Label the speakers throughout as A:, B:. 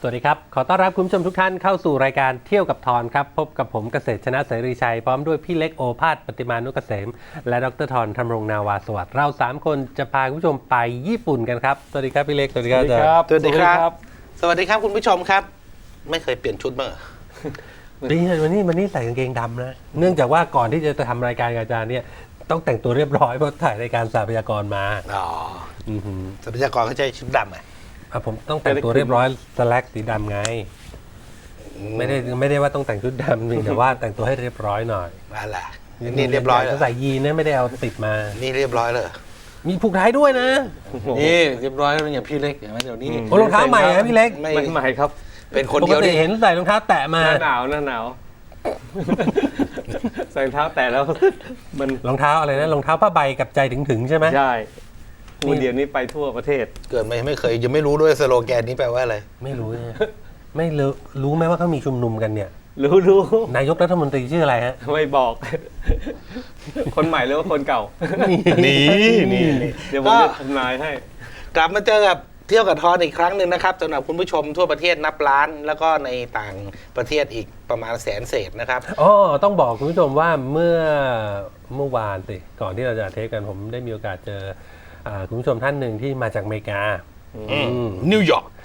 A: วัสดีครับขอต้อนรับคุณผู้ชมทุกท่านเข้าสู่รายการเที่ยวกับทอนครับพบกับผมเกษตรชนะเสรีชัยพร้อมด้วยพี่เล็กโอภาสปฏิมานุกเกษมและดรทอนธำรงนาวาสวัสดิ์เรา3คนจะพาคุณผู้ชมไปญี่ปุ่นกันครับสวัสดีครับพี่เล็กสวัสดีครับอาจารย์
B: สวัสดีครับสวัสดีครับคุณผู้ชมครับไม่เคยเปลี่ยนชุดมั้ง
A: วันนี้ใส่กางเกงดำนะเนื่องจากว่าก่อนที่จะทำรายการกับอาจารย์เนี่ยต้องแต่งตัวเรียบร้อยเพราะถ่ายรายการทรัพยากรมา
B: อ๋อทรัพยากรเขาใช้ชุดดำอ่ะ
A: ผมต้องแต่งตัวเรียบร้อยสแลกสีดำไงไม่ได้ว่าต้องแต่งชุดดำนี่แต่ว่าแต่งตัวให้เรียบร้อยหน่อย
B: อะไรนี่เรียบร้อยแล้ว
A: ใส่ยีนนะไม่ได้เอาติดมา
B: นี่เรียบร้อยเลย
A: มีผูกท้ายด้วยนะ
B: นี่เรียบร้อยแล้วอย่างพี่เล็กอย่างนั้นเดี๋ยวนี้
A: รองเท้าใหม่นะพี่เล็ก
B: ไม่ใหม่ครับเป็นคน
A: เดียวที่เห็นใส่รองเท้าแตะมา
C: หน้าหนาวใส่รองเท้าแตะแล้วมัน
A: รองเท้าอะไรนะรองเท้าผ้าใบกับใจถึงใช่ไหม
C: ใช่เดี๋ยวนี้ไปทั่วประเทศ
B: เกิดไม่เคยยังไม่รู้ด้วยสโลแกนนี้แปลว่าอะไร
A: ไม่รู้ไม่รู้ไหมว่าเขามีชุมนุมกันเนี่ย
C: รู้
A: นายกรัฐมนตรีชื่ออะไรฮะ
C: ไม่บอกคนใหม่หรือว่าคนเก่านี่เดี๋ยวผมจะทำนายให้
B: กลับมาเจอกับเที่ยวกับทอนอีกครั้งหนึ่งนะครับสำหรับคุณผู้ชมทั่วประเทศนับล้านแล้วก็ในต่างประเทศอีกประมาณ100,000 เศษนะครับ
A: ต้องบอกคุณผู้ชมว่าเมื่อวานสิก่อนที่เราจะเทปกันผมได้มีโอกาสเจอคุณผู้ชมท่านหนึ่งที่มาจากอเมริกา
B: นิวยอร์ก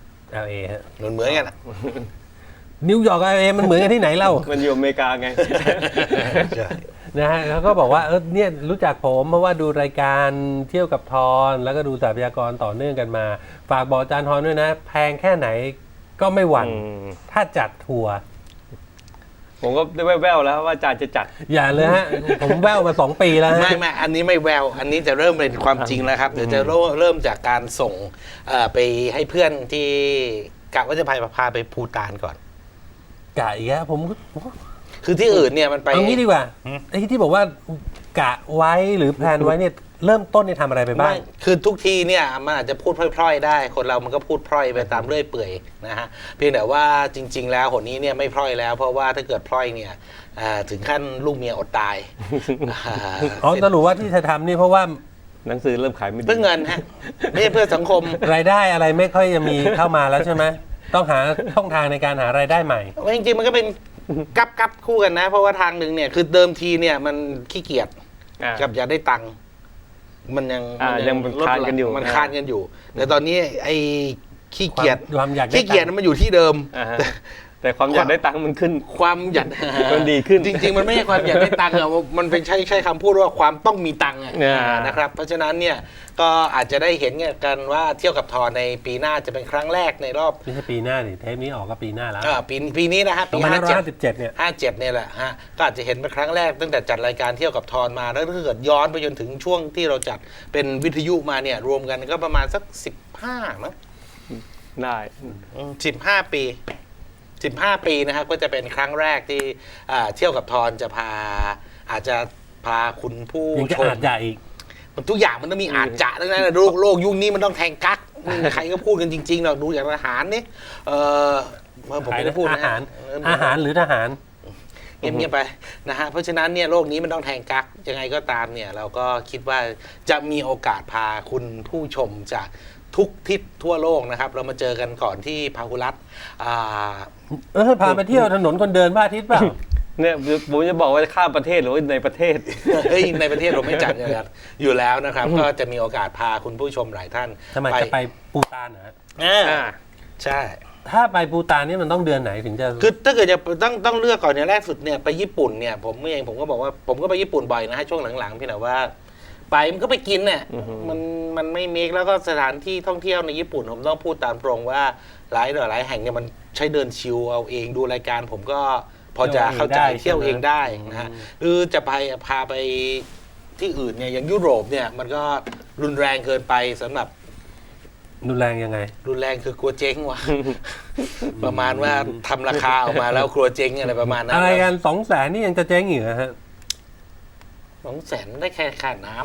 A: LA ฮะ
B: เหมือนกัน
A: นิวยอร์ก LA มันเหมือนกันที่ไหนเล่า
C: มันอยู่อเมริกาไง
A: นะฮะเขาก็บอกว่าเนี่ยรู้จักผมเพราะว่าดูรายการเที่ยวกับทอนแล้วก็ดูทรัพยากรต่อเนื่องกันมาฝากบอกอาจารย์ทอนด้วยนะแพงแค่ไหนก็ไม่หวั่นถ้าจัดทัวร์
C: ผมก็ได้แววๆแล้วว่าอาจารย์จะจัด
A: อย่าเลยฮะผมแววมา2 ปีแล้ว
B: ไม่อันนี้ไม่แววอันนี้จะเริ่มเป็นความจริงแล้วครับเดี๋ยวจะเริ่มจากการส่งไปให้เพื่อนที่กะว่าจะพาไปภูฏานก่อน
A: กะอีกแล้วผม
B: คือที่อื่นเนี่ยมันไป
A: เอางี้ดีกว่าไอ้ที่บอกว่ากะไว้หรือแพลนไว้เนี่ยเริ่มต้นเนี่ยทำอะไรไปบ้าง
B: คือทุกทีเนี่ยมันอาจจะพูดพร่อยๆได้คนเรามันก็พูดพร่อยไปตามเรื่อยเปื่อยนะฮะเพียงแต่ว่าจริงๆแล้วหนนี้เนี่ยไม่พร่อยแล้วเพราะว่าถ้าเกิดพร่อยเนี่ยถึงขั้นลูกเมียอดตาย
A: สรุปว่าที่จะทำนี่เพราะว่า
C: หนังสือเริ่มขายไม่ดี
B: เพื่อเงินฮะไม่ใช่เพื่อสังคม
A: รายได้อะไรไม่ค่อยจะมีเข้ามาแล้วใช่ไหมต้องหาช่องทางในการหารายได้ใหม่
B: จริงๆมันก็เป็นกับคู่กันนะเพราะว่าทางหนึ่งเนี่ยคือเดิมทีเนี่ยมันขี้เกียจกับอยากได้ตังค์มันยัง
C: คานกันอยู่
B: มันคานกันอยู่แต่ตอนนี้ไอ้ขี้เกียจ
A: มัน
B: อยู่ที่เดิม
C: แต่ความอยากได้ตังค์มันขึ้น
B: ความอยาก
C: มันดีขึ้น
B: จริงๆมันไม่ใช่ความอยากได้ตังค์อะมันเป็นใช้คำพูดว่าความต้องมีตังค์นะครับเพราะฉะนั้นเนี่ยก็อาจจะได้เห็นกันว่าเที่ยวกับทอนในปีหน้าจะเป็นครั้งแรกในรอบ
A: ไม่ใช่ปีหน้าดิเทปนี้ออกก็ปีหน้าแล้ว
B: ปีนี้นะฮะปี
A: 57เนี่ย
B: 57เนี่ยแหละฮะก็อาจจะเห็นเป็นครั้งแรกตั้งแต่จัดรายการเที่ยวกับทอนมาแล้วถ้าเกิดย้อนไปจนถึงช่วงที่เราจัดเป็นวิทยุมาเนี่ยรวมกันก็ประมาณสัก15มั้ง
C: ได้
B: 15 ปีนะครับก็จะเป็นครั้งแรกที่เที่ยวกับทอนจะอาจจะพาคุณผู้ชม
A: อีก
B: มันทุกอย่างมันต้องมีอาจจะดังนั้นโลกยุคนี้มันต้องแทงกั๊กใครก็พูดกันจริงๆเราดูอย่างทหารนี่
A: ผมไม่ได้พูดอาหารหรือทหาร
B: เงียบๆไปนะฮะเพราะฉะนั้นเนี่ยโลกนี้มันต้องแทงกั๊กยังไงก็ตามเนี่ยเราก็คิดว่าจะมีโอกาสพาคุณผู้ชมจากทุกทิศทั่วโลกนะครับเรามาเจอกันก่อนที่พาหุรัต
A: พาไปเที่ยวถนนคนเดินพระอาทิตย์เปล่า
C: เนี่ยผมจะบอกว่าข้ามประเทศหรือว่าในประเทศ
B: ในประเทศเราไม่จัดอยู่แล้วนะครับก็จะมีโอกาสพาคุณผู้ชมหลายท่าน
A: ทำไมจะไปปูตานนะ
B: ใช่
A: ถ้าไปปูตานนี่มันต้องเดือนไหนถึงจะ
B: คือถ้าเกิดจะต้องเลือกก่อนเนี่ยแรกสุดเนี่ยไปญี่ปุ่นเนี่ยผมก็บอกว่าผมก็ไปญี่ปุ่นบ่อยนะฮะช่วงหลังๆพี่หน่อยว่าไปมันก็ไปกินเนี่ยมันไม่เมคแล้วก็สถานที่ท่องเที่ยวในญี่ปุ่นผมต้องพูดตามตรงว่าหลายแห่งเนี่ยมันใช้เดินชิลเอาเองดูรายการผมก็พอจะเข้าใจเที่ยวเองได้นะฮะหรือจะพาไปที่อื่นเนี่ยอย่างยุโรปเนี่ยมันก็รุนแรงเกินไปสำหรับ
A: รุนแรงยังไง
B: รุนแรงคือกลัวเจ๊งว่ะ ประมาณว่าทำราคาออกมาแล้วกลัวเจ๊งอะไรประมาณนั้น
A: อะไรกัน200,000นี่ยังจะเจ๊งอยู่นะฮะ
B: 200,000ได้แค่ค่าน้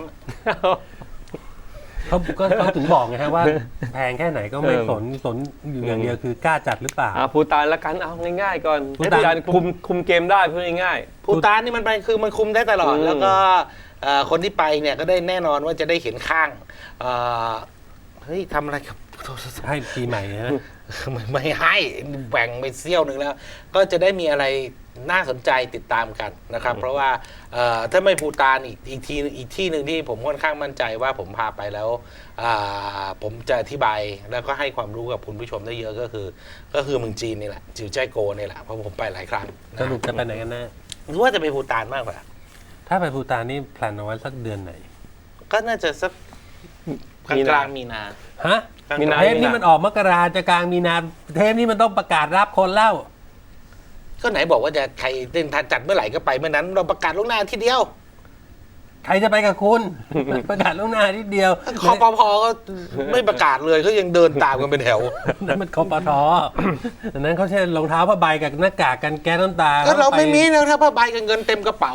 A: ำเขาถึงบอกไงฮะว่าแพงแค่ไหนก็ไม่สนอยู่อย่างเดียวคือกล้าจัดหรือเปล่า
C: ภูฏานละกันเอาง่ายๆก่อนภูฏานคุมเกมได้พูดง่าย
B: ๆภูฏานนี่มันคุมได้ตลอดแล้วก็คนที่ไปเนี่ยก็ได้แน่นอนว่าจะได้เห็นข้างเฮ้ยทำอะไรกับโท
A: ให้ปีใหม่นะ
B: ไม่ให้แบ่งไปเซี่ยวหนึ่งแล้ว ก็จะได้มีอะไรน่าสนใจติดตามกันนะครับ เพราะว่าถ้าไม่ภูฏานอีกที่หนึ่งที่ผมค่อนข้างมั่นใจว่าผมพาไปแล้วผมจะอธิบายแล้วก็ให้ความรู้กับคุณผู้ชมได้เยอะก็คือเมืองจีนนี่แหละจิวใจโกนี่แหละเพราะผมไปหลายครั้ง
A: สรุปจะไปไหนกันแน่
B: หรือว่าจะไปภูฏานมากกว่า
A: ถ้าไปภูฏานนี่แพลนเอาไว้สักเดือนไหน
B: ก็น่าจะสักกลางมีนา
A: ฮะ
C: มีนา
A: เทปนี้มันออกมกราจะกลางมีนาเทปนี้มันต้องประกาศรับคนแล้ว
B: ก็ไหนบอกว่าจะใครจัดเมื่อไหร่ก็ไปเมื่อนั้น เราประกาศล่วงหน้าทีเดียว
A: ใครจะไปกับคุณ ประกาศล่วงหน้านิดเดียว
B: คอปพก็ไม่ประกาศเลยก็ยังเดินตามกันเป็นแถว
A: นั่นมันคปทอันนั้นเขาใช้รองเท้าผ้าใบกับหน้ากากกันแก๊สน้ำตา
B: ก็เราไม่มี
A: ป
B: นะถ้าผ้าใบกับเงินเต็มกระเป๋า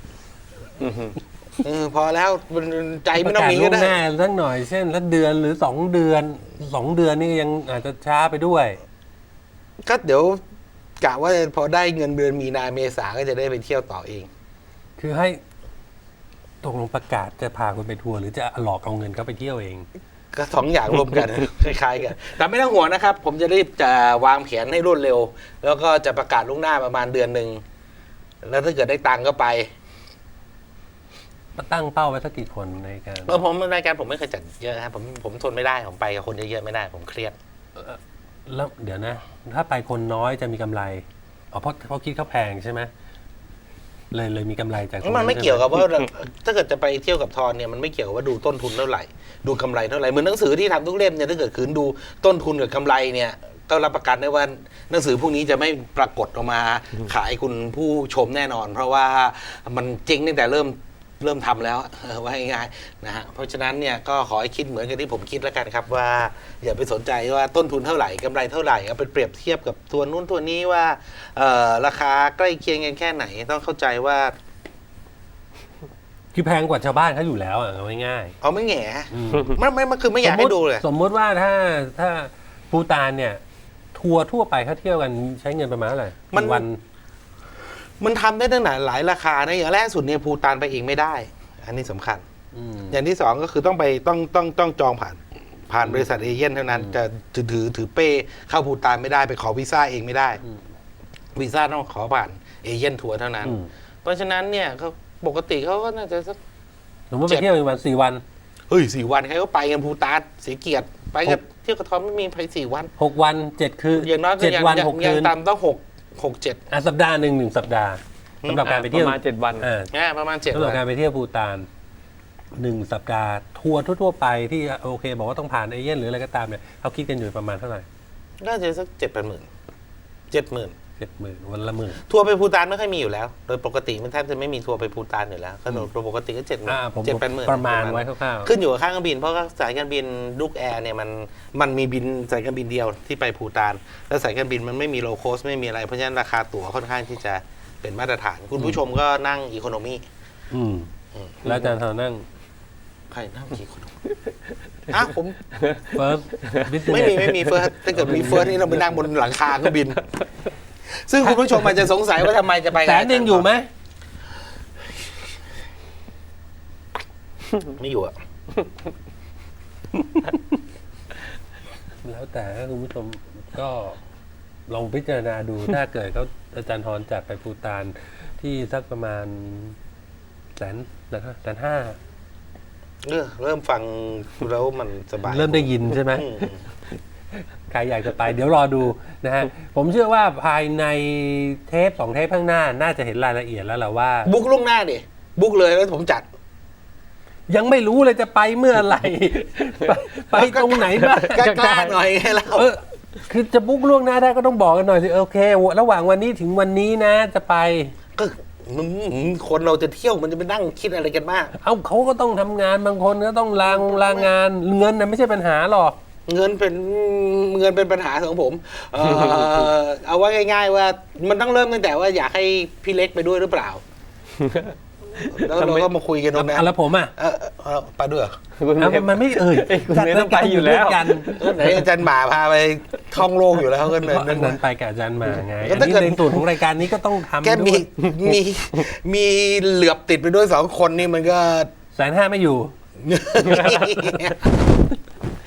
B: พอแล้วใจ
A: ป
B: ไม่
A: ระ
B: ต้อง
A: กาศ
B: มี
A: ล่
B: ก็
A: วง
B: ได้
A: หน้าสักหน่อยเช่นละเดือนหรือ2 เดือน2 เดือนนี่ยังอาจจะช้าไปด้วย
B: ก็เดี๋ยวกะว่าพอได้เงินเดือนมีนาเมษาก็จะได้ไปเที่ยวต่อเอง
A: คือให้ตกลงประกาศจะพาคุณไปทัวร์หรือจะหลอกเอาเงินเขาไปเที่ยวเอง
B: ก็สองอย่างรวมกัน คล้ายๆกันแต่ไม่ต้องห่วงนะครับ ผมจะรีบจะวางแผนให้รวดเร็ว แล้วก็จะประกาศล่วงหน้าประมาณเดือนหนึ่งแล้วถ้าเกิดได้ตังค์ก็ไป
A: ตั้งเป้าไว้สักกี่คนในการ
B: ผมรายการผมไม่เคยจัดเยอะครับผมทนไม่ได้ผมไปกับคนเยอะๆไม่ได้ผมเครียด
A: แล้วเดี๋ยวนะ ถ้าไปคนน้อยจะมีกำไรอ๋อเพราะเขาคิดเขาแพงใช่ไหมเลยมีกำไรจากตรง
B: มันไม่เกี่ยวกับว่าถ้าเกิดจะไปเที่ยวกับทอนเนี่ยมันไม่เกี่ยวกับว่าดูต้นทุนเท่าไหร่ดูกำไรเท่าไหร่เหมือนหนังสือที่ทำทุกเล่มเนี่ยถ้าเกิดคืนดูต้นทุนกับกำไรเนี่ยก็รับประกันได้ว่าหนังสือพวกนี้จะไม่ปรากฏออกมาขายคุณผู้ชมแน่นอน เพราะว่ามันจริงตั้งแต่เริ่มทำแล้วว่าง่ายๆนะฮะเพราะฉะนั้นเนี่ยก็ขอให้คิดเหมือนกับที่ผมคิดแล้วกันครับว่าอย่าไปสนใจว่าต้นทุนเท่าไหร่กำไรเท่าไหร่เอาไปเปรียบเทียบกับตัวนู้นตัวนี้ว่าราคาใกล้เคียงกันแค่ไหนต้องเข้าใจว่า
A: คือแพงกว่าชาวบ้านเขาอยู่แล้วอ่ะเอาง่าย
B: เอาไม่แง่
A: ๆอืม
B: มันคือไม่อยากให้ดูเลย
A: สมมุติว่าถ้าภูฏานเนี่ย ทัวร์ทั่วไปเขาเที่ยวกันใช้เงินประมาณเท่าไหร่
B: มัน
A: วัน
B: มันทำได้ตั้งแต่หลายราคานะอย่างแรกสุดเนี่ยภูฏานไปเองไม่ได้ อันนี้สำคัญ
A: อืม
B: อย่างที่สองก็คือต้องจองผ่านบริษัทเอเย่นเท่านั้นจะถือเป้เข้าภูฏานไม่ได้ไปขอวีซ่าเองไม่ได้ วีซ่าต้องขอผ่านเอเย่นทัวร์เท่านั้น
A: อืม
B: เพราะฉะนั้นเนี่ยเขาปกติเขาก็น่าจะสัก
A: สมมติไปเที่ยวอีกวัน4 วัน
B: เฮ้ย4 วันใครก็ไปกันภูฏานเสียเกียรติไปกับเที่ยวกระท้อนไม่มีไป4 วัน
A: 6 วัน7 คืน
B: อย่างน้อยก็ยัง
A: 7 วัน
B: ยัง
A: 6
B: ยั
A: คื
B: ง
A: น
B: ต่ำต้อง6 7
A: สัปดาห์หนึ่งสัปดาห์สำหรับการไปเที่ยว
C: ประมาณ7 วัน
B: ประมาณ7
A: สำหรับ
B: วัน
A: การไปเที่ยวภูฏาน1 สัปดาห์ทัวร์ทั่วๆไปที่โอเค บอกว่าต้องผ่านเอเย่นหรืออะไรก็ตามเนี่ยเขาคิดกันอยู่ประมาณเท่าไหร่
B: น่าจะสัก7-8 หมื่น
A: 70,000วันละหมื่น
B: ทัวร์ไปภูฏานไม่ค่อยมีอยู่แล้ว โดยปกติมันแทบจะไม่มีทัวร์ไปภูฏานอยู่แล้วก็โดยปกติก็7
A: ผม
B: 7-8 หมื่น
A: ประมาณไว้คร่าวๆ
B: ขึ้นอยู่กับค่าเครื่องบินเพราะว่าสายการบินลูกแอร์เนี่ยมันมีบินสายการบินเดียวที่ไปภูฏานแล้วสายการบินมันไม่มีโลโคสไม่มีอะไรเพราะฉะนั้นราคาตั๋วค่อนข้างที่จะเป็นมาตรฐาน คุณผู้ชมก็นั่งอีโคโนมี่
A: แล้วอาจารย์ทอนั่ง
B: ใครนั่งอีโคโนมี่ผม
A: เฟิร์สบิสเนส
B: ไม่มีเฟิร์สถ้าเกิดมีเฟิร์สนี่เราไปนั่งบนหลังคาเครื่องบิน ซึ่งคุณผู้ชมอาจจะสงสัยว่าทำไมจะไป
A: 100,000อยู่ไหม
B: ไม่อยู่อะ
A: แล้วแต่คุณผู้ชมก็ลองพิจารณาดู ถ้าเกิดเขาอาจารย์ทรจัดไปภูฏานที่สักประมาณ150,000
B: เริ่มฟังแล้วมันสบาย
A: เริ่มได้ยินใช่ไหม ใครอยากจะไปเดี๋ยวรอดูนะฮะ ผมเชื่อว่าภายในเทป2 เทปข้างหน้า น่าจะเห็นรายละเอียดแล้วแหละว่า
B: บุ๊กล่วงหน้าดิบุ๊กเลยแล้วผมจัด
A: ยังไม่รู้เลยจะไปเมื่อไหร่ ไปตรงไหนบ้าง
B: กล้าๆหน่อยไงเรา
A: คือจะบุ๊กล่วงหน้าได้ก็ต้องบอกกันหน่อยสิโอเค ระหว่างวันนี้ถึงวันนี้นะจะไป
B: ก็คนเราจะเที่ยวมันจะไปนั่งคิดอะไรกันมาก
A: เอ้าเขาก็ต้องทำงานบางคนก็ต้องลางานเงินน่ะไม่ใช่ปัญหาหรอก
B: เงินเป็นปัญหาของผม เอาว่าง่ายๆว่ามันต้องเริ่มตั้งแต่ว่าอยากให้พี่เล็กไปด้วยหรือเปล่า แล้วเราก็มาคุยกันตรงนั้น
A: แล้วผมอ่ะ
B: ไปด้วยเหรอ
A: มันไม่
C: คุณเมย์ต้องไปอยู่แล้ว
A: กัน
B: ไหนอาจารย์หมาพาไปท่องโลกอยู่แล้วก็
A: เพราะอันนั้นไปกับอาจารย์มาไง
B: ก็
A: อัน
B: ถ้า
A: นี้
B: เกิด
A: ในส่วนของรายการนี้ก็ต้องทำ
B: แค่
A: ด้วย
B: มีเหลือบติดไปด้วย2 คนนี่มันก็
A: 150,000ไม่อยู่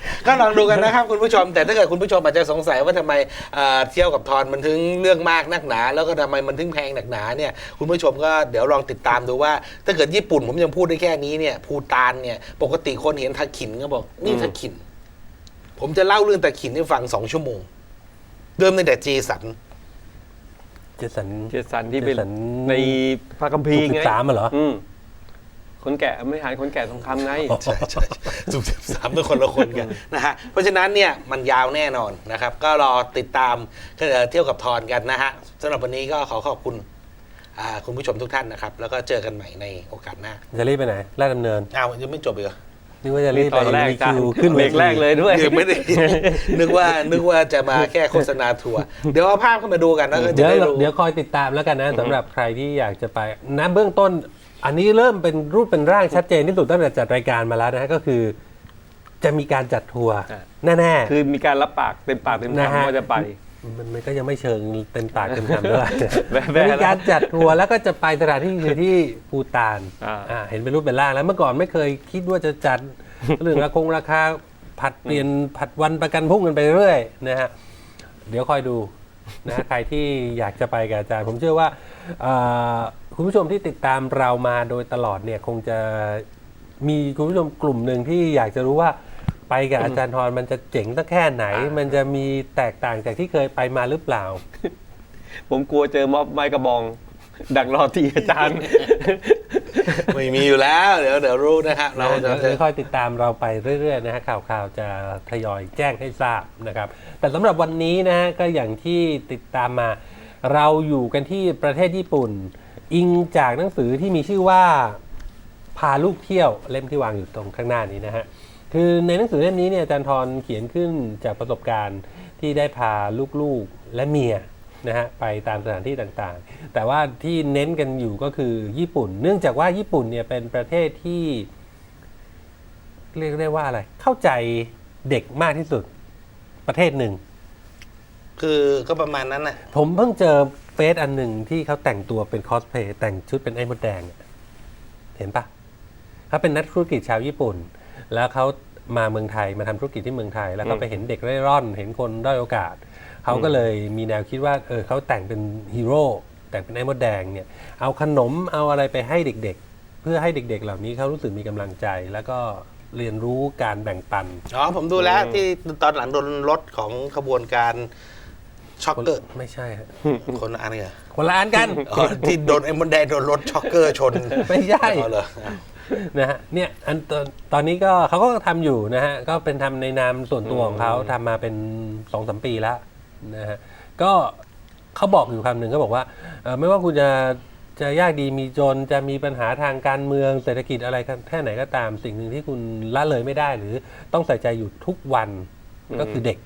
B: ก็ลองดูกันนะครับคุณผู้ชม แต่ถ้าเกิดคุณผู้ชมอาจจะสงสัยว่าทำไมเที่ยวกับทอนมันถึงเรื่องมากนักหนา แล้วก็ทำไมมันถึงแพงหนักหนาเนี่ยคุณผู้ชมก็เดี๋ยวลองติดตามดูว่า ถ้าเกิดญี่ปุ่นผมยังพูดได้แค่นี้เนี่ยภูฏานเนี่ยปกติคนเห็นทาขินก็บอกนี่ทาขิน ผมจะเล่าเรื่องตาขินให้ฟัง2 ชั่วโมงเริ่มตั้งแต่เจสัน
A: เจสัน
C: เจสันที่เป็น
A: เจสัน
C: ในพระคัมภีร์ไง
A: 13เหรอ
C: คนแก่ไม่หายคนแก่ทองคำไง
B: ใช่สุด13เป็นคนละคนกันนะฮะเพราะฉะนั้นเนี่ยมันยาวแน่นอนนะครับ ก็รอติดตามเที่ยวกับทอนกันนะฮะสำหรับวันนี้ก็ขอขอบคุณคุณผู้ชมทุกท่านนะครับ แล้วก็เจอกันใหม่ในโอกาสหน้า
A: จะรีบไปไหนลาดดำเนิน
B: อ้าวยังไม่จบอีกเหรอ
A: นึกว่าจะรีบ
C: ต
A: ไป
C: อนแรก
A: มี
C: จ้ะ
A: คิวขึ้น
C: เบรกแรกเลยด้วย
B: ยังไม่ได้ นึกว่าจะมาแค่โฆษณาทัวร์เดี๋ยวเอาภาพเข้ามาดูกันแล้วก็จะ
A: เดี๋ยว
B: ได้รู้
A: เดี๋ยวคอยติดตามแล้วกันนะสำหรับใครที่อยากจะไปนะเบื้องต้น อันนี้เริ่มเป็นรูปเป็นร่างชัดเจนที่สุดตั้งแต่จัดรายการมาแล้วนะฮะก็คือ จะมีการจัดทัวร์
C: อ่ะ
A: แน่
C: คือมีการรับปากเต็มปากเต็ม
A: นะฮะ
C: คำว่าจะไป
A: มันก็ยังไม่เชิงเต็มปากเต็มคำเท่าไหร่
C: แวะๆ
A: มีการจัดทัวร์แล้วก็จะไปสถานที่คือที่ภูฏาน
C: อ่า
A: เห็นเป็นรูปเป็นร่างแล้วเมื่อก่อนไม่เคยคิดว่าจะจัด เรื่องราคาผัดเปลี่ยนผัดวันประกันพรุ่งกันไปเรื่อยนะฮะเดี๋ยวคอยดูนะใครที่อยากจะไปกับอาจารย์ ผมเชื่อว่าคุณผู้ชมที่ติดตามเรามาโดยตลอดเนี่ยคงจะมีคุณผู้ชมกลุ่มหนึ่งที่อยากจะรู้ว่าไปกับอาจารย์ทรมันจะเจ๋งตั้งแค่ไหน มันจะมีแตกต่างจากที่เคยไปมาหรือเปล่า
C: ผมกลัวเจอม็อบไม้กระบอง ดักรอที่อาจารย์
B: ไม่มีอยู่แล้ว เดี๋ยวรู้นะครับเราจะ
A: เดี๋ยวค่อยติดตามเราไปเรื่อยๆนะฮะข่าวจะทยอยแจ้งให้ทราบนะครับแต่สำหรับวันนี้นะฮะก็อย่างที่ติดตามมาเราอยู่กันที่ประเทศญี่ปุ่น อิงจากหนังสือที่มีชื่อว่าพาลูกเที่ยวเล่มที่วางอยู่ตรงข้างหน้านี้นะฮะคือในหนังสือเล่มนี้เนี่ยอาจารย์ทรเขียนขึ้นจากประสบการณ์ที่ได้พาลูกๆและเมียนะฮะไปตามสถานที่ต่างๆแต่ว่าที่เน้นกันอยู่ก็คือญี่ปุ่น เนื่องจากว่าญี่ปุ่นเนี่ยเป็นประเทศที่เรียกได้ว่าอะไรเข้าใจเด็กมากที่สุดประเทศหนึ่ง
B: คือก็ประมาณนั้นน่ะ
A: ผมเพิ่งเจอเฟซอันหนึ่งที่เขาแต่งตัวเป็นคอสเพลย์แต่งชุดเป็นไอ้มดแดงอะเห็นปะเขาเป็นนักธุรกิจชาวญี่ปุ่น แล้วเขามาเมืองไทยมาทำธุรกิจที่เมืองไทย แล้วก็ไปเห็นเด็กเร่ร่อน เห็นคนด้อยโอกาสเขาก็เลยมีแนวคิดว่าเขาแต่งเป็นฮีโร่แต่งเป็นไอ้มดแดงเนี่ยเอาขนมเอาอะไรไปให้เด็กๆ เพื่อให้เด็กๆ เหล่านี้เขารู้สึกมีกำลังใจ แล้วก็เรียนรู้การแบ่งปัน
B: อ๋อผมดูแล้วที่ตอนหลังโดนรถของขบวนการช็อกเกอร์
A: ไม่ใช่ฮะ
B: คนละอันเหรอ
A: คนละอันกัน
B: อ๋อที่โดนไอ้มดแดงโดนรถช็อกเกอร์ชน
A: ไม่ใช่
B: อ๋อเหรออ้าว
A: นะฮะเนี่ยตอนนี้ก็เขาก็ทำอยู่นะฮะก็เป็นทำในนามส่วนตัวของเขาทำมาเป็น 2-3 ปีแล้วนะฮะก็เขาบอกอยู่คำหนึ่งเขาบอกว่าไม่ว่าคุณจะยากดีมีจนจะมีปัญหาทางการเมืองเศรษฐกิจอะไรแค่ไหนก็ตามสิ่งหนึ่งที่คุณละเลยไม่ได้หรือต้องใส่ใจอยู่ทุกวันก็คือเด็ก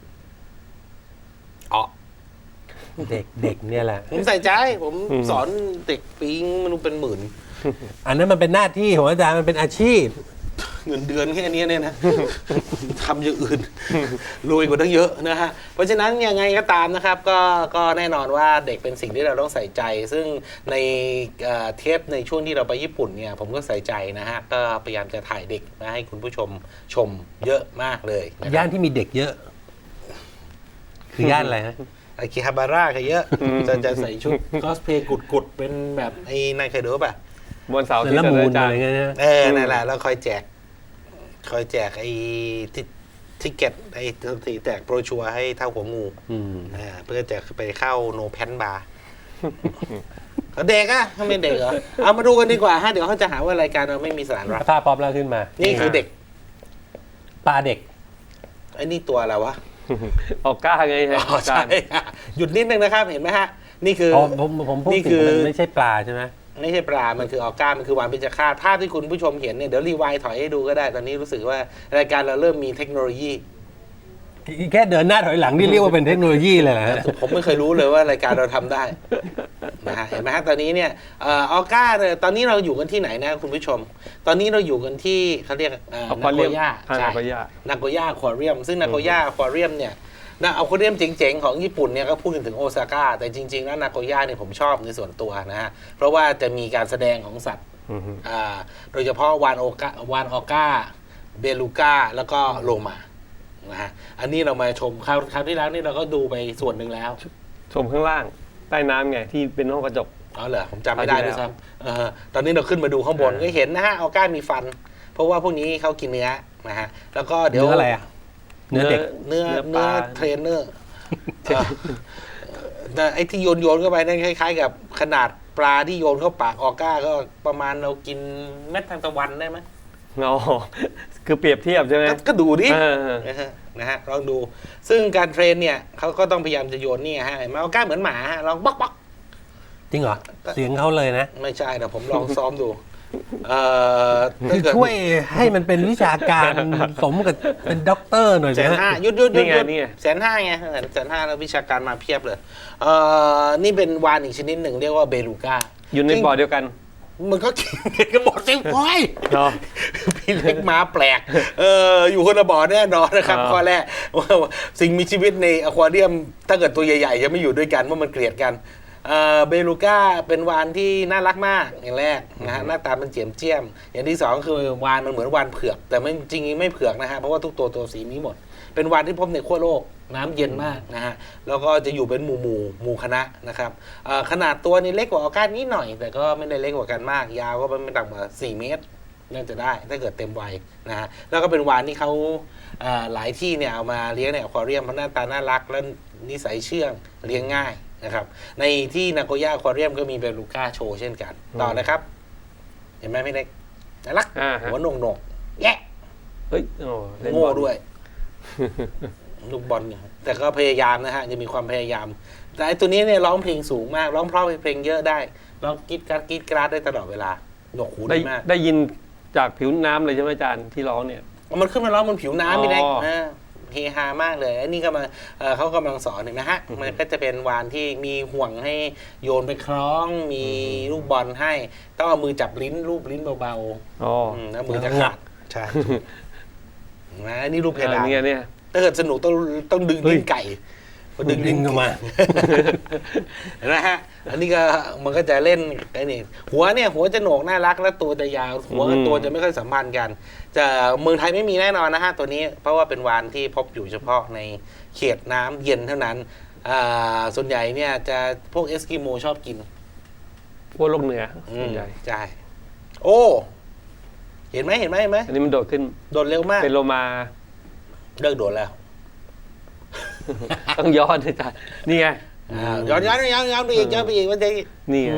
B: อ๋อ
A: เด็กเนี่ยแหละ
B: ผมใส่ใจผมสอนเด็กปีงมันเป็นหมื่น
A: อันนั้นมันเป็นหน้าที่ของอาจารย์มันเป็นอาชีพ
B: เงินเดือนแค่นี้เนี่ยนะ ทำอย่างอื่นรวยกว่าตั้งเยอะนะฮะเพราะฉะนั้นยังไงก็ตามนะครับก็แน่นอนว่าเด็กเป็นสิ่งที่เราต้องใส่ใจ ซึ่งในเทปในช่วงที่เราไปญี่ปุ่นเนี่ยผมก็ใส่ใจนะฮะก็พยายามจะถ่ายเด็กมาให้คุณผู้ชมชมเยอะมากเลยนะครับ
A: ย่านที่มีเด็กเยอะ คือย่านอะไรฮะ
B: อากิฮาบาร่าก็เยอะจะใส่ชุดคอสเพย์กุดๆเป็นแบบไอ้นายเคยดูป่ะ
C: บนเสา
A: เซ
C: ที่
A: รา
C: จะ
A: มูน
C: อาจา
A: อะ
C: ร
A: ไร
C: ย์
A: เงี้ยนะ
B: นั่นแหละแล้วคอยแจกไอ้ทิเก็ตไอ้แจกโบรชัวร์ให้เท่าหัวงูเพื่อจะไปเข้าโนแพนบาร์เด็กอะทำไมเด็กเหรอเอามาดูกันดีกว่าฮะเดี๋ยวเขาจะหาว่ารายการเราไม่มีสาระ
A: ภาพป๊อปแล้วขึ้นมา
B: นี่คือเด็ก
A: ปลาเด็ก
B: ไอ้นี่ตัวอะไรวะ
C: ออกกล้าไง
B: อ๋อ
C: อาจา
B: ใช่
C: รย์
B: หยุดนิดนึงนะครับเห็นไหมฮะนี่คือ
A: ผมพูด
B: นี่
A: ถึ
B: คื
A: ง
B: อ
A: มันไม่ใช่ปลาใช่ไหม
B: ไม่ใช่ปลา มันคือออก้า มันคือวานพิจฆาตภาพที่คุณผู้ชมเห็นเนี่ย เดี๋ยวรีไวด์ถอยให้ดูก็ได้ ตอนนี้รู้สึกว่ารายการเราเริ่มมีเทคโนโลยี
A: แค่เดินหน้าถอยหลังนี่เรียกว่าเป็นเทคโนโลยีเลยเหรอฮะ
B: ผมไม่เคยรู้เลยว่ารายการเราทำได้นะฮะเห็นไหมฮะตอนนี้เนี่ยออก้าเนี่ยตอนนี้เราอยู่กันที่ไหนนะคุณผู้ชม ตอนนี้เราอยู่กันที่เขาเรียกนาโกย่า
C: นาโกย่า
B: นาโกย่าอควาเรียมซึ่งนาโกย่าอควาเรียมเนี่ยนะอควาเรียมเจ๋งๆของญี่ปุ่นเนี่ยก็พูดถึงโอซาก้าแต่จริงๆแล้วนาโกย่าเนี่ยผมชอบในส่วนตัวนะฮะเพราะว่าจะมีการแสดงของสัตว์โดยเฉพาะวานออก้าเบลูก้าแล้วก็โลมานะฮะอันนี้เรามาชมคราวที่แล้วนี่เราก็ดูไปส่วนหนึ่งแล้ว
C: ชมข้างล่างใต้น้ำไงที่เป็นห้องกระจก
B: อ๋อเหรอผมจำไม่ได้ด้วยซ้ำตอนนี้เราขึ้นมาดูข้างบนก็เห็นนะฮะออก้ามีฟัน เพราะว่าพวกนี้เขากินเนื้อนะฮะแล้วก็เดี๋ยว
A: เนื้ออะไรอ่ะเนื้อเด็ก
B: เนื้อ
C: ปลา
B: เทรนเนอร์แต่ไอ้ที่โยนเข้าไปนั่นคล้ายๆกับขนาดปลาที่โยนเข้าปากออก้าก็ประมาณเรากินเม็ดทางตะวันได้ไหม
C: อ๋อคือเปรียบเทียบใช่ไหม
B: ก็ดูดิ
C: เออ
B: นะฮะลองดู ซึ่งการเทรนเนี่ยเขาก็ต้องพยายามจะโยนนี่ฮะเห็นไหมออก้าเหมือนหมาฮะลองบ๊อก
A: จริงเหรอ เสียงเขาเลยนะ
B: ไม่ใช่แต่ผมลองซ้อมดูถ้า
A: คือ
B: เกิด
A: ช่วยให้มันเป็นวิชาการสมกับเป็นด็อกเตอร์หน่อย
B: แส
A: นะ
B: น
A: ฮะ
B: ห้ายุด
C: นี่ไงนี่ไง
B: 150,000ไง150,000แล้ววิชาการมาเพียบเลยนี่เป็นวานอีกชนิดหนึ่งเรียกว่าเบลูก้า
C: อยู่ในบ่อเดียวกัน
B: มันก็กินกันหมดสิโอ้ย
C: เนาะ
B: พี่เล็กม้าแปลกอยู่คนละบ่อแน่นอนนะครับ
C: อ่า
B: ข้อแรกว่าสิ่งมีชีวิตในอควาเรียมถ้าเกิดตัวใหญ่ๆจะไม่อยู่ด้วยกันเพราะมันเกลียดกันเบลูก้าเป็นวานที่น่ารักมากอย่างแรกนะฮะหน้าตามันเจียมเจียมอย่างที่สองคือวานมันเหมือนวานเผือกแต่ไม่จริงๆไม่เผือกนะฮะเพราะว่าทุกตัวสีนี้หมด เป็นวานที่พบในขั้วโลกน้ำเย็นมากนะฮะแล้วก็จะอยู่เป็นหมู่คณะนะครับขนาดตัวนี่เล็กกว่าออก้านิดหน่อย แต่ก็ไม่ได้เล็กกว่ากันมาก ยาวก็ไม่ต่ำกว่า4 เมตรน่าจะได้ถ้าเกิดเต็มวัยนะฮะแล้วก็เป็นวานที่เขาหลายที่เนี่ยเอามาเลี้ยงในอควาเรียมเพราะหน้าตาน่ารักและนิสัยเชื่องเลี้ยงง่ายนะครับในที่นาโกย่าอควาเรียมก็มีเบลูก้าโชว์เช่นกันต่อนะครับ เห็นไหมพี่เล็กน่ารัก
C: อ่าฮะ
B: หัวโหนกๆแยะ
C: เฮ้ยโอ้เล่นบ
B: โง่
C: อล
B: ด้วย ลูกบอลเนี่ยแต่ก็พยายามนะฮะจะมีความพยายาม แต่ไอ้ตัวนี้เนี่ยร้องเพลงสูงมากร้องเพราะเพลงเยอะได้ร้องกรีดกราดได้ตลอดเวลาหนวกหู
C: ได้
B: ดีมาก
C: ได้ยินจากผิวน้ำเลยใช่ไหมอาจารย์ที่ร้องเนี่ย
B: มันขึ้นมาร้องบนผิวน้ำพี่เล็ก
C: อ๋อ
B: เฮฮามากเลยไอ้นี่ก็มาเขากำลังสอนเห็นไหมฮะมันก็จะเป็นวานที่มีห่วงให้โยนไปคล้องมีลูกบอลให้ต้องเอามือจับลิ้นรูปลิ้นเบา
C: อ๋อ
B: ๆแล้วมือจะขาดใช่เห็นไหมอันนี่รูปเพดาน
C: เนี่ย
B: ถ้าเกิดสนุกต้องดึงลิ้นไก่พอดึงลิ้น
A: ออกมา
B: เห็นไหมฮะ อันนี้ก็มันก็จะเล่นไอ้นี่หัวจะโหนกน่ารักและตัวจะยาวหัวกับตัวจะไม่ค่อยสัมพันธ์กันจะเมืองไทยไม่มีแน่นอนนะฮะตัวนี้เพราะว่าเป็นวานที่พบอยู่เฉพาะในเขตน้ำเย็นเท่านั้นส่วนใหญ่เนี่ยจะพวกเอสกิโมชอบกิน
C: พวกโลกเหนือส่วนใหญ่
B: ใช่โอ้เห็นไหม
C: อันนี้มันโดดขึ้น
B: โดดเร็วมาก
C: เป็นโลมา
B: เลิกโดดแล้ว
C: ต้องย้อนอาจารย์นี่ไง
B: ย้อนไปอีกมันจะ
C: นี่ไง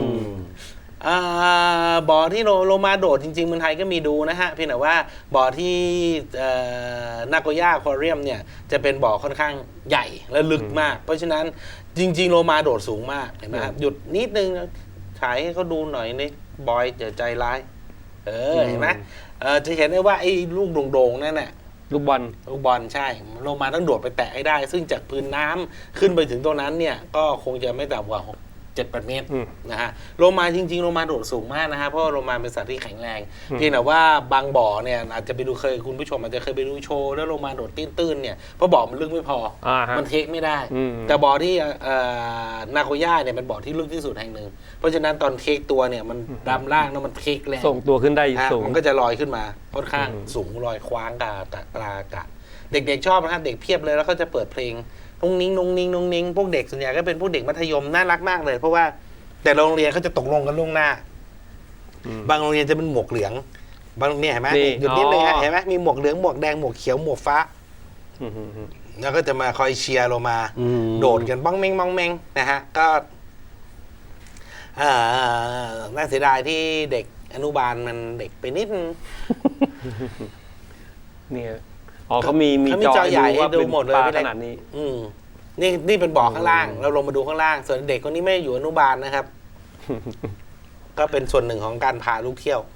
B: บ่อที่โลมาโดดจริงๆเมืองไทยก็มีดูนะฮะเพียงแต่ว่าบ่อที่นาโกย่าอควาเรียมเนี่ยจะเป็นบ่อค่อนข้างใหญ่และลึกมาก เพราะฉะนั้นจริงๆโลมาโดดสูงมากเห็นไหมครับหยุดนิดนึงถ่ายให้เขาดูหน่อยนี่บอยอย่าใจร้ายเห็นไหมจะเห็นได้ว่าไอ้ลูกโด่งๆนั่นน่ะ
C: ลูกบอล
B: ลูกบอลใช่โลมาต้องโดดไปแตะให้ได้ ซึ่งจากพื้นน้ำขึ้นไปถึงตรงนั้นเนี่ยก็คงจะไม่ต่ำกว่า7-8 เมตรนะฮะโลมาจริงๆโลมาโดดสูงมากนะฮะเพราะว่าโลมาเป็นสัตว์ที่แข็งแรงเพียงแต่ว่าบางบ่อเนี่ยอาจจะไปดูคุณผู้ชมอาจจะเคยไปดูโชว์แล้วโลมาโดดตื้นๆเนี่ยเพราะบ่อมันลึกไม่พอ
C: ฮะ
B: มันเทคไม่ได้
C: อืม
B: แต่บ่อที่นาโกย่าเนี่ยเป็นบ่อที่ลึกที่สุดแห่งหนึ่งเพราะฉะนั้นตอนเทคตัวเนี่ยมันดำล่างแล้วมันเทคแรง
C: ส่งตัวขึ้นได้ สูง
B: มันก็จะลอยขึ้นมาค่อนข้างสูงลอยคว้างกลางอากาศเด็กๆชอบนะครับเด็กเพียบเลยแล้วก็จะเปิดเพลงนุ่งนิ้งพวกเด็กส่วนใหญ่ก็เป็นพวกเด็กมัธยมน่ารักมากเลย เพราะว่าแต่โรงเรียนเขาจะตกลงกันล่วงหน้า บางโรงเรียนจะเป็นหมวกเหลืองบางเนี่ยเห็นไหม
C: นี่
B: หยุดนิดเลยฮะ
C: อ๋อ
B: เห็นไหมมีหมวกเหลืองหมวกแดงหมวกเขียวหมวกฟ้า แล้วก็จะมาคอยเชียร์เรามา โดดกันบ้องเม้งนะฮะก็น่าเสียดายที่เด็กอนุบาลมันเด็กไปนิดนึง
C: เนี่ยอ๋อเขามี
B: เขามีจอใหญ่ให้
C: ว่า
B: ดู
C: เป็น
B: หมดเลย
C: ปลา
B: พี่
C: ข
B: เล็ก
C: นาดนี้
B: นี่เป็นบ่อข้างล่าง เราลงมาดูข้างล่าง ส่วนเด็กคนนี้ไม่อยู่อนุบาลนะครับ ก็เป็นส่วนหนึ่งของการพาลูกเที่ยว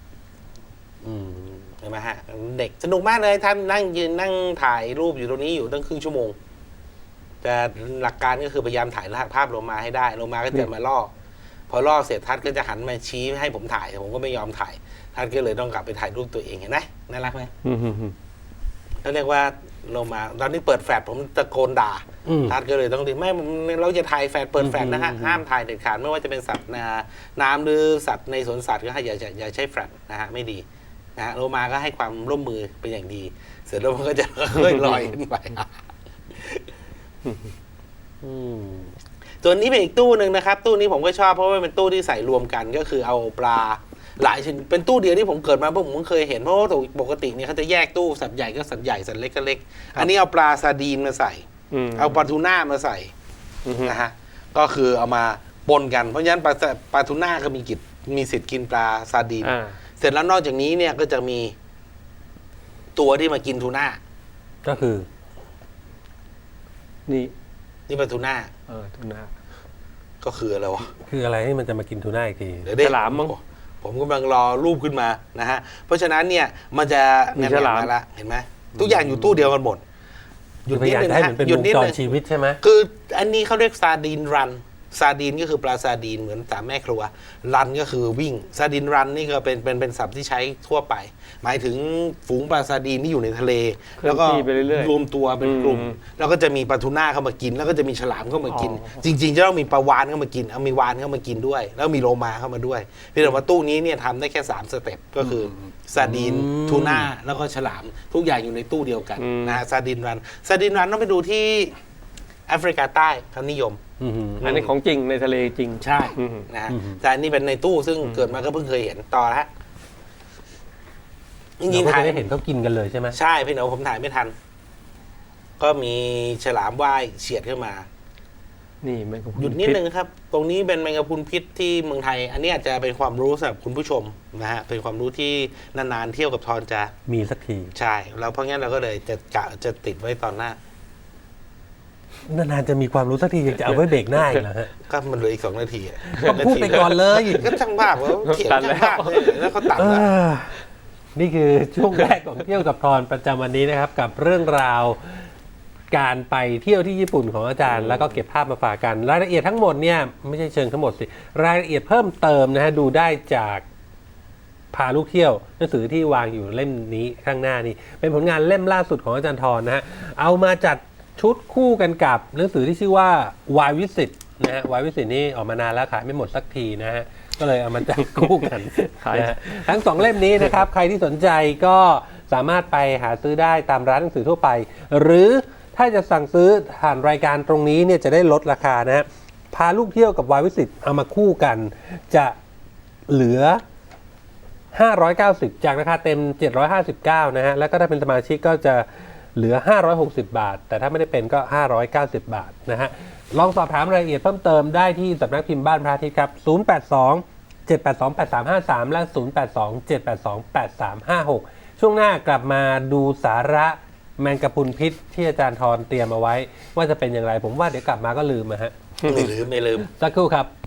B: เห็นไหมฮะ เด็กสนุกมากเลยท่านนั่งยืนนั่งถ่ายรูปอยู่ตรงนี้อยู่ตั้งครึ่งชั่วโมง แต่หลักการก็คือพยายามถ่ายภาพโลมาให้ได้โลมาก็จะมาล่อพอล่อเสร็จทัดก็จะหันมาชี้ให้ผมถ่ายผมก็ไม่ยอมถ่ายทัดก็เลยต้องกลับไปถ่ายรูปตัวเองเห็นไหมน่ารักไหมเขาเรียกว่าโลมาตอนนี้เปิดแฟลชผมตะโกนด่าทัดก็เลยต้องดีไม่เราจะถ่ายแฟลชเปิดแฟลชนะฮะห้ามถ่ายเด็ดขาดไม่ว่าจะเป็นสัตว์น้ำหรือสัตว์ในสวนสัตว์ก็ให้อย่าใช้แฟลชนะฮะไม่ดีนะฮะโลมาก็ให้ความร่วมมือเป็นอย่างดี เสร็จแล้วมันก็จะค่อยๆลอยขึ้นไป
A: อืม
B: ตัวนี้เป็นอีกตู้หนึ่งนะครับ ตู้นี้ผมก็ชอบเพราะว่าเป็นตู้ที่ใส่รวมกันก็คือเอาปลาหลายชนิดเป็นตู้เดียวที่ผมเกิดมาผมเพิ่งเคยเห็นเพราะว่าปกติเนี่ยเขาจะแยกตู้สัตว์ใหญ่ก็สัตว์ใหญ่สัตว์เล็กก็เล็ก อันนี้เอาปลาซาร์ดีนมาใส่ เอาปลาทูน่ามาใส่นะฮะก็คือเอามาปนกันเพราะฉะนั้นปลาทูน่าก็มีสิทธิ์กินปลาซาร์ดีน เสร็จแล้วนอกจากนี้เนี่ยก็จะมีตัวที่มากินทูน่า
A: ก็คือ
C: นี่
B: ปลาทูน่า
C: ทูน่า
B: ก็คืออะไรวะ
A: คืออะไรที่มันจะมากินทูน่าอีกที
B: เดี๋ยวได้
C: ฉลามมั้ง
B: ผมกำลังรอรูปขึ้นมานะฮะเพราะฉะนั้นเนี่ยมันจะ
C: มีฉลาม
B: แนๆละเห็นไหมทุกอย่างอยู่ตู้เดียวกันหมดหยุด
A: พ
B: นิด
A: ยายาม
B: นึง
A: จะให้
B: นะ
A: มันเป็น
B: หยุ
A: ว
B: ด
A: ง
B: นิด
A: จร
B: นึง
A: ชีวิตใช่ไหม
B: คืออันนี้เขาเรียกซาดีนรันซาดีนก็คือปลาซาดีนเหมือนสามแม่ครัวรันก็คือวิ่งซาดีนรันนี่ก็เป็นศัพท์ที่ใช้ทั่วไป หมายถึงฝูงปลาซาดีนที่อยู่ในทะเล แล้วก็
C: เคลื่อนที่ไปเรื่อยๆ
B: รวมตัวเป็นกลุ่ม แล้วก็จะมีปลาทูน่าเข้ามากิน แล้วก็จะมีฉลามเข้ามากิน จริง ๆ จะต้องมีปลาวานเข้ามากินเอามีวานเข้ามากินด้วย แล้วมีโลมาเข้ามาด้วยเพียงแต่ว่าตู้นี้เนี่ยทำได้แค่3สเต็ปก็คือซาดีนทูน่าแล้วก็ฉลามทุกอย่างอยู่ในตู้เดียวกันนะฮะซาดีนรันต้องไปดูที่แอฟริกาใต้เขานิยม
C: อันนี้ของจริงในทะเลจริง
B: ใช่นะฮะแต่อันนี้เป็นในตู้ซึ่งเกิดมาก็เพิ่งเคยเห็นต่อฮะจ
A: เรา
B: ริง
A: ก็
B: ๆถ่า
A: จะ
B: ย
A: ได้เห็นเขากินกันเลยใช่ไหม
B: ใช่พี่หนูผมถ่ายไม่ทัน ก็มีฉลามว่ายเฉียดขึ้นมา
C: นี่มันก็
B: หยุดนิดนึงครับ ตรงนี้เป็นแมงกะพรุนพิษที่เมืองไทย อันนี้อาจจะเป็นความรู้สำหรับคุณผู้ชมนะฮะเป็นความรู้ที่นานๆเที่ยวกับทอนจะ
A: มีสักที
B: ใช่ แล้วเพราะงั้นเราก็เลยจะติดไว้ตอนหน้า
A: นานๆจะมีความรู้สักทียังจะเอาไว้เบรกหน้าอีกเหรอฮะ
B: ก็มันเหลืออีก2 นาทีอะ
A: ก็พูดไปก่อนเลย
B: ก็ช่างภาพว่าเถียงช่างภาพเลยแล้วเขาตัด
A: เอ
B: แล้ว
A: อนี่คือช่วงแรกของเที่ยวกับทอนประจำวันนี้นะครับ กับเรื่องราวการไปเที่ยวที่ญี่ปุ่นของอาจารย์ แล้วก็เก็บภาพมาฝากกัน รายละเอียดทั้งหมดเนี่ยไม่ใช่เชิงทั้งหมดสิรายละเอียดเพิ่มเติมนะฮะดูได้จากพาลูกเที่ยวหนังสือที่วางอยู่เล่มนี้ข้างหน้านี่เป็นผลงานเล่มล่าสุดของอาจารย์ทรนะฮะเอามาจัดชุดคู่กันกับหนังสือที่ชื่อว่าวายวิสิตนะฮะวายวิสิตนี่ออกมานานแล้วขายไม่หมดสักทีนะฮะก็เลยเอามาจัดคู่กัน นะฮะทั้ง2เล่มนี้นะครับ ใครที่สนใจก็สามารถไปหาซื้อได้ตามร้านหนังสือทั่วไป หรือถ้าจะสั่งซื้อผ่านรายการตรงนี้เนี่ยจะได้ลดราคานะฮะพาลูกเที่ยวกับวายวิสิตเอามาคู่กัน จะเหลือ 590 จากราคาเต็ม 759 นะฮะแล้วก็ถ้าเป็นสมาชิกก็จะเหลือ 560 บาท แต่ถ้าไม่ได้เป็นก็ 590 บาทนะฮะลองสอบถามรายละเอียดเพิ่มเติมได้ที่สำนักพิมพ์บ้านพระอาทิตย์ครับ 082-782-8353 และ 082-782-8356 ช่วงหน้ากลับมาดูสาระแมงกะพรุนพิษที่อาจารย์ทรเตรียมเอาไว้ ว่าจะเป็นอย่างไรผมว่าเดี๋ยวกลับมาก็ลืมนะฮะ
B: ไม่ลืม
A: สักครู่ครับ